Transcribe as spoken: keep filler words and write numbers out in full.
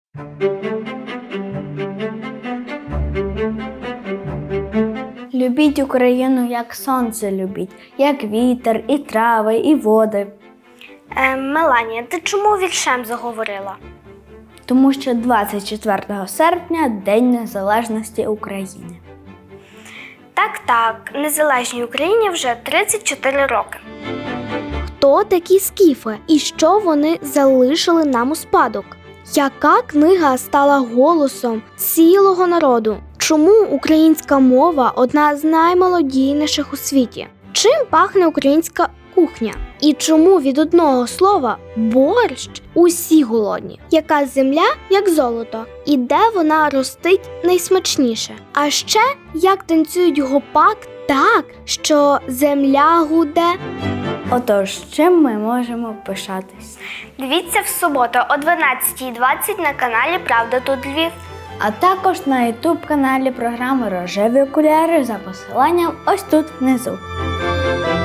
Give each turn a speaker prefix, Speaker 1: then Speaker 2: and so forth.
Speaker 1: Любіть Україну, як сонце любіть, як вітер, і трави, і води.
Speaker 2: Е, Меланія, ти чому віршем заговорила?
Speaker 1: Тому що двадцять четвертого серпня – День Незалежності України.
Speaker 2: Так-так, незалежній Україні вже тридцять чотири роки.
Speaker 3: Хто такі скіфи і що вони залишили нам у спадок? Яка книга стала голосом цілого народу? Чому українська мова одна з наймолодійніших у світі? Чим пахне українська кухня? І чому від одного слова борщ усі голодні? Яка земля, як золото? І де вона ростить найсмачніше? А ще, як танцюють гопак так, що земля гуде?
Speaker 1: Отож, чим ми можемо пишатись?
Speaker 2: Дивіться в суботу о дванадцятій двадцять на каналі «Правда тут Львів».
Speaker 1: А також на ютуб-каналі програми «Рожеві окуляри» за посиланням ось тут внизу.